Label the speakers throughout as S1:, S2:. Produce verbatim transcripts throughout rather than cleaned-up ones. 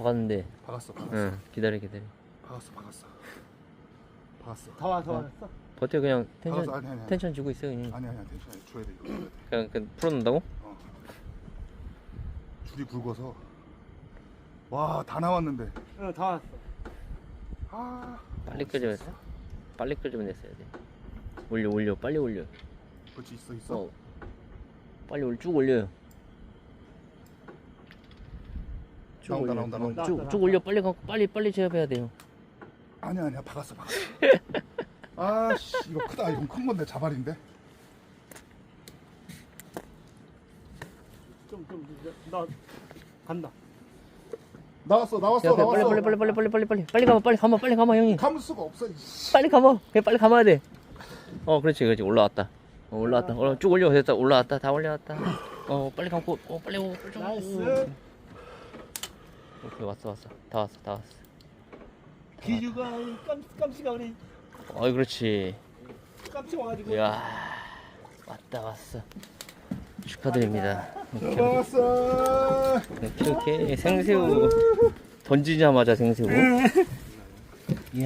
S1: 박았는데.
S2: 박았어, 박았어.
S1: 응, 기다려, 기다려.
S2: 박았어, 박았어. 박았어.
S3: 다 와, 다 왔어.
S1: 버텨, 그냥 텐션,
S2: 박았어. 아니, 아니, 아니.
S1: 텐션 주고 있어, 그냥.
S2: 아니, 아니야, 텐션 아니, 줘야 돼, 이거 줘야 돼.
S1: 그냥, 그냥 풀어놓는다고?
S2: 어. 줄이 굵어서. 와, 다 나왔는데.
S3: 응, 다 왔어.
S2: 아.
S1: 빨리 끄집어야 돼. 빨리 끄집어냈어야 돼. 올려, 올려, 빨리 올려.
S2: 그렇지, 있어, 있어.
S1: 어. 빨리 올, 쭉 올려요. 쭉
S2: 나온다,
S1: 올려.
S2: 나온다,
S1: 어,
S2: 나온다.
S1: 쭉, 쭉 올려, 빨리 가, 빨리, 빨리 제압해야 돼요.
S2: 아니야, 아니야, 박았어, 박았어. 아, 씨, 이거 크다. 이건 큰 건데, 자발인데.
S3: 좀, 좀, 나 간다.
S2: 나왔어, 나왔어,
S1: 제압해, 빨리,
S2: 나왔어.
S1: 빨리, 빨리, 빨리, 빨리, 빨리, 빨리, 빨리 가봐, 빨리 가봐, 빨리 가봐, 형님.
S2: 감을 수가 없어. 이씨.
S1: 빨리 가봐. 그냥 빨리 감아야 돼. 어, 그렇지, 그렇지. 올라왔다. 어, 올라왔다. 어, 쭉 올려. 됐다. 올라왔다. 다 올라왔다. 어, 빨리 감고. 어, 빨리 오고. 빨리 좀.
S3: 나이스.
S1: 오케이, 왔어, 왔어. 다 왔어, 다 왔어.
S3: 기주가 깜, 깜찍아 우리
S1: 어이, 그렇지.
S3: 깜찍 와가지고.
S1: 이야, 왔다, 왔어. 축하드립니다. 오케이,
S2: 나왔어.
S1: 오케이, 오케이. 생새우. 던지자마자 생새우. 이야.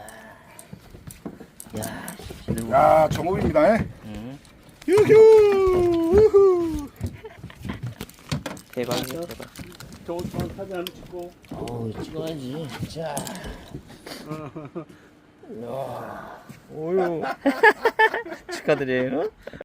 S1: 야, 씨.
S2: 야, 정호입니다. 에?
S1: 응.
S2: 유휴. 우후.
S1: 대박이야, 대박.
S3: 저, 저 사진 한번 찍고.
S1: 어우, 찍어야지. 자. 이야. 오유. 축하드려요.